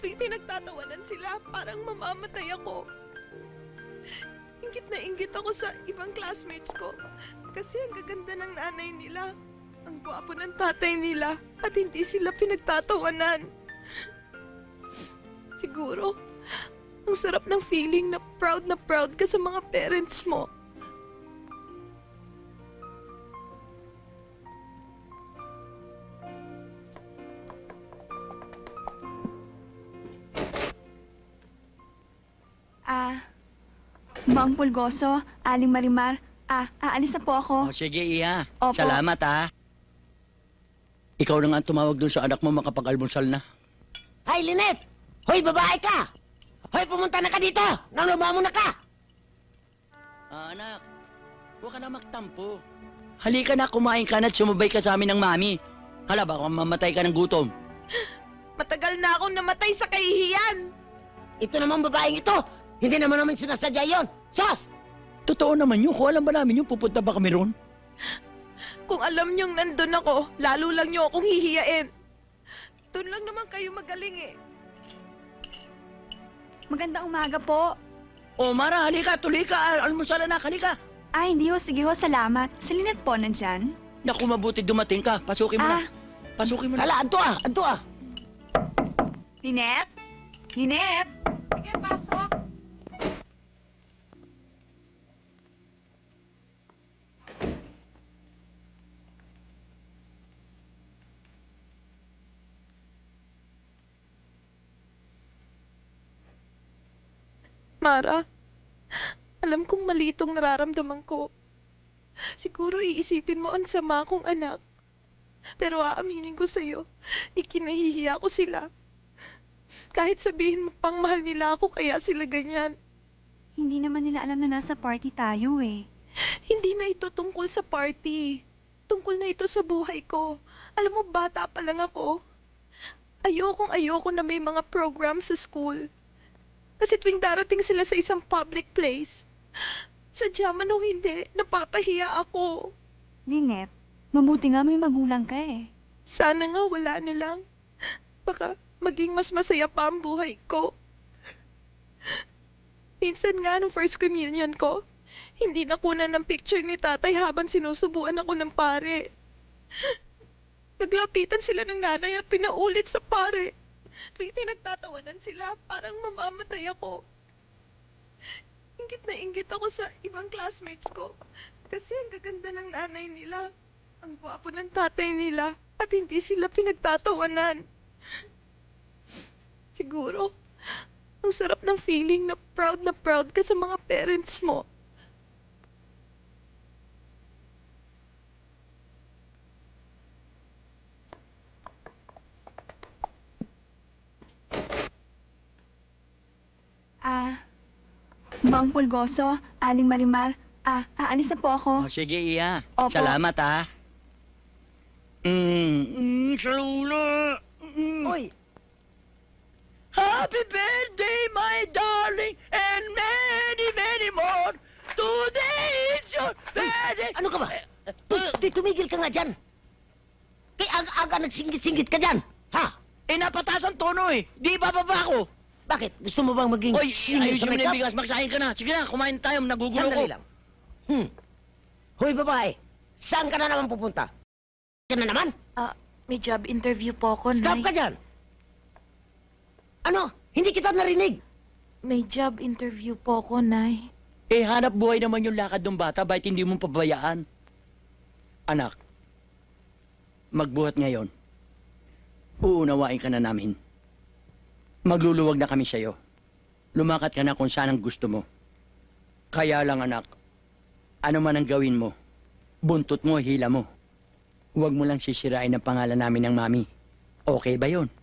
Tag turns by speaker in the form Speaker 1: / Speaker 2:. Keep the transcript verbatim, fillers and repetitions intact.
Speaker 1: Tuwing pinagtatawanan sila, parang mamamatay ako. Inggit na inggit ako sa ibang classmates ko. Kasi ang gaganda ng nanay nila. Ang gwapo ng tatay nila. At hindi sila pinagtatawanan. Siguro, ang sarap ng feeling na proud na proud ka sa mga parents mo.
Speaker 2: Ah, Maong Pulgoso, Aling Marimar, ah, aalis na po ako.
Speaker 3: O, sige, Iya.
Speaker 2: Opo.
Speaker 3: Salamat, ha. Ikaw na nga ang tumawag doon sa anak mo makapag-almusal na.
Speaker 4: Hay, Lynette! Hoy, babae ka! Hoy, pumunta na ka dito! Nang lumamo na ka!
Speaker 3: Ah, anak, huwag ka na magtampo. Halika na, kumain ka na at sumabay ka sa amin ng mami. Hala, baka mamatay ka ng gutom.
Speaker 1: Matagal na akong namatay sa kahihiyan.
Speaker 4: Ito naman babaeng ito! Hindi naman namin sinasadya yon. Sos!
Speaker 3: Totoo naman yun. Kung alam ba namin yun, pupunta ba kami ron?
Speaker 1: Kung alam niyong nandun ako, lalo lang niyo akong hihiyain. Doon lang naman kayo magaling eh.
Speaker 2: Magandang umaga po.
Speaker 3: O, Mara, halika, tuloy ka. Al- Almusal na, halika.
Speaker 2: Ah, hindi ho, sige ho, salamat. Si Lynette po, nandyan?
Speaker 3: Naku, mabuti dumating ka. Pasukin mo
Speaker 2: Ah.
Speaker 3: na. Pasukin mo na.
Speaker 4: Hala, anto ah! Anto ah!
Speaker 2: Lynette? Lynette?
Speaker 1: Sige, pasok. Mara, alam kong mali itong nararamdaman ko. Siguro iisipin mo ang sama kong anak. Pero aaminin ko sa'yo, ikinahihiya ko sila. Kahit sabihin mo pang mahal nila ako, kaya sila ganyan.
Speaker 2: Hindi naman nila alam na nasa party tayo eh.
Speaker 1: Hindi na ito tungkol sa party. Tungkol na ito sa buhay ko. Alam mo, bata pa lang ako. Ayokong ayoko na may mga program sa school. Kasi tuwing darating sila sa isang public place, sadya man o hindi, napapahiya ako.
Speaker 2: Lynette, mabuti nga may magulang ka eh.
Speaker 1: Sana nga wala na lang. Baka maging mas masaya pa ang buhay ko. Minsan nga nung first communion ko, hindi nakunan ng picture ni tatay habang sinusubuan ako ng pare. Naglapitan sila ng nanay at pinaulit sa pare. Tuwing pinagtatawanan sila, parang mamamatay ako. Inggit na inggit ako sa ibang classmates ko. Kasi ang gaganda ng nanay nila. Ang gwapo ng tatay nila. At hindi sila pinagtatawanan. Siguro, ang sarap ng feeling na proud na proud ka sa mga parents mo.
Speaker 2: Ah, Maong Pulgoso, Aling Marimar, ah, aalis na po ako.
Speaker 3: O, sige, Iya.
Speaker 2: Opo.
Speaker 3: Salamat, ha. Mm, mm, sa ulo. Mm.
Speaker 4: Hoy!
Speaker 3: Happy birthday, my darling, and many, many more. Today is your birthday.
Speaker 4: Ano ka ba? Tus, tumigil ka nga dyan! Kay aga-aga nagsinggit-singgit ka dyan! Ha?
Speaker 3: Eh, napatas ang tono eh. Di bababa ko.
Speaker 4: Bakit? Gusto mo bang maging
Speaker 3: Oy,
Speaker 4: singer
Speaker 3: ayusin
Speaker 4: sa
Speaker 3: mo na yung
Speaker 4: makeup?
Speaker 3: bigas. Magsahin ka na. Sige na, kumain tayo. Nagugulo ko.
Speaker 4: Sandali lang. Hmm. Hoy, babae! Saan ka na naman pupunta? Ka na naman?
Speaker 1: Ah, may job interview po ako,
Speaker 4: Stop ka dyan! Ano? Hindi kita narinig!
Speaker 1: May job interview po ako, Nay.
Speaker 3: Eh, hanap buhay naman yung lakad ng bata. Bakit hindi mo pabayaan? Anak, magbuhat ngayon. Uunawain ka na namin. Magluluwag na kami sa'yo. Lumakat ka na kung saan ang gusto mo. Kaya lang, anak, ano man ang gawin mo, buntot mo, hila mo. Huwag mo lang sisirain ang pangalan namin ng mami. Okay ba yon?